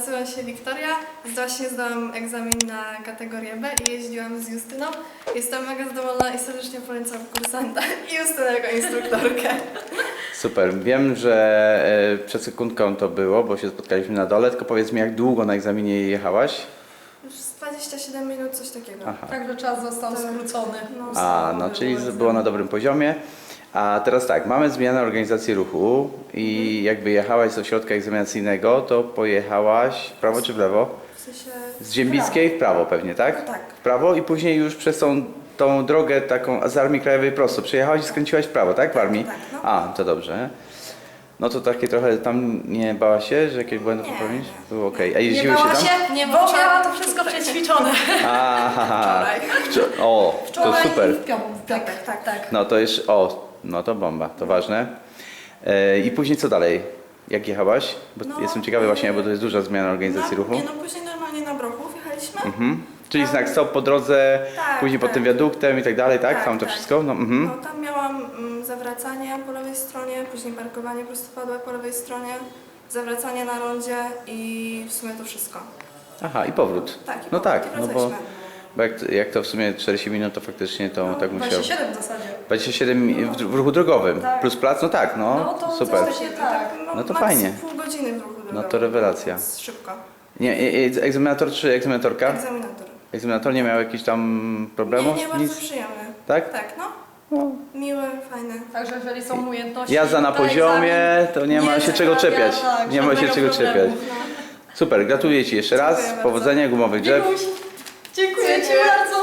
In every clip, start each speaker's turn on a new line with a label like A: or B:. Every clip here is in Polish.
A: nazywam się Wiktoria. Właśnie zdałam egzamin na kategorię B i jeździłam z Justyną. Jestem mega zadowolona i serdecznie polecam kursanta i Justynę jako instruktorkę.
B: Super. Wiem, że przed sekundką to było, bo się spotkaliśmy na dole, tylko powiedz mi, jak długo na egzaminie jechałaś?
A: Już z 27 minut, coś takiego.
B: Aha.
C: Także czas został skrócony.
B: No, czyli było na dobrym poziomie. A teraz tak, mamy zmianę organizacji ruchu i jakby jechałaś z ośrodka egzaminacyjnego, to pojechałaś w prawo czy w lewo?
A: W sensie...
B: Z Ziembickiej w prawo pewnie, tak?
A: Tak.
B: W prawo i później już przez tą drogę taką z Armii Krajowej prosto przyjechałaś i skręciłaś w prawo, tak? W Armii?
A: Tak, no.
B: A, to dobrze. No to takie trochę tam nie bałaś się, że jakieś błędy
A: Nie,
B: popełnić?
A: nie.
B: Było okej. A
C: Nie
B: jeździłeś
C: bała
B: się tam?
C: się, nie, bo miała to wszystko przećwiczone.
B: Aha.
A: Wczoraj.
B: O, to
C: Wczoraj
B: super.
C: w piątek. Tak.
B: No to już, no to bomba, to ważne. I później co dalej? Jak jechałaś? Bo
A: No,
B: jestem ciekawy właśnie, bo to jest duża zmiana organizacji ruchu.
A: Nie, no później normalnie na Brochów jechaliśmy.
B: Czyli znak stop po drodze,
A: Tak,
B: później pod
A: tak.
B: tym wiaduktem i tak dalej, tak?
A: Tak,
B: Tam to
A: tak.
B: wszystko? No,
A: No tam miałam zawracanie po lewej stronie, później parkowanie prostopadłe po lewej stronie, zawracanie na rondzie i w sumie to wszystko.
B: Aha, i powrót.
A: Tak, i
B: No
A: powrót,
B: tak,
A: i
B: no bo
A: wracaliśmy.
B: jak to w sumie 40 minut, to faktycznie to tak musiał.
C: 27 w zasadzie.
B: 27 w ruchu drogowym,
C: Tak.
B: plus plac, no tak,
C: No
B: no,
C: to
B: super.
C: coś się tak.
B: No to
A: maks
B: fajnie.
A: Pół godziny w ruchu
B: No
A: drogowym,
B: to rewelacja.
A: więc szybko.
B: Nie, egzaminator czy egzaminatorka?
A: Egzaminator.
B: Egzaminator nie miał jakichś tam problemów?
A: Nie, bardzo
B: Nic?
A: przyjemny.
B: Tak?
A: Tak, no.
B: No.
A: Miły, fajny.
C: Także jeżeli są umiejętności...
B: Jazda na
C: to
B: poziomie,
C: egzamin
B: to nie ma się czego
C: sprawia,
B: czepiać.
C: tak,
B: Nie ma się
C: żadnego
B: czego
C: problemu.
B: czepiać. Super, gratuluję Ci jeszcze raz.
A: Dziękuję bardzo.
B: Powodzenia, gumowych drzew.
C: Wikuś, dziękuję Ci
A: Dziękuję.
C: bardzo.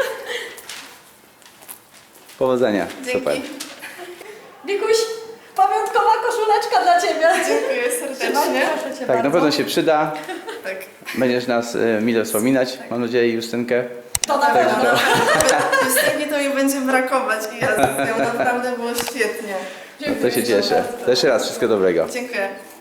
B: Powodzenia.
A: Dzięki.
B: Super.
C: Wikuś, pamiątkowa koszuleczka dla Ciebie.
A: Dziękuję serdecznie.
C: Proszę Cię
B: Tak,
C: bardzo.
B: na pewno się przyda.
A: Tak.
B: Będziesz nas mile wspominać, mam nadzieję, Justynkę.
C: To na pewno.
A: Justynki to mi będzie brakować i ja z nią naprawdę było świetnie.
B: No to się cieszę. To jeszcze raz wszystkiego dobrego.
A: Dziękuję.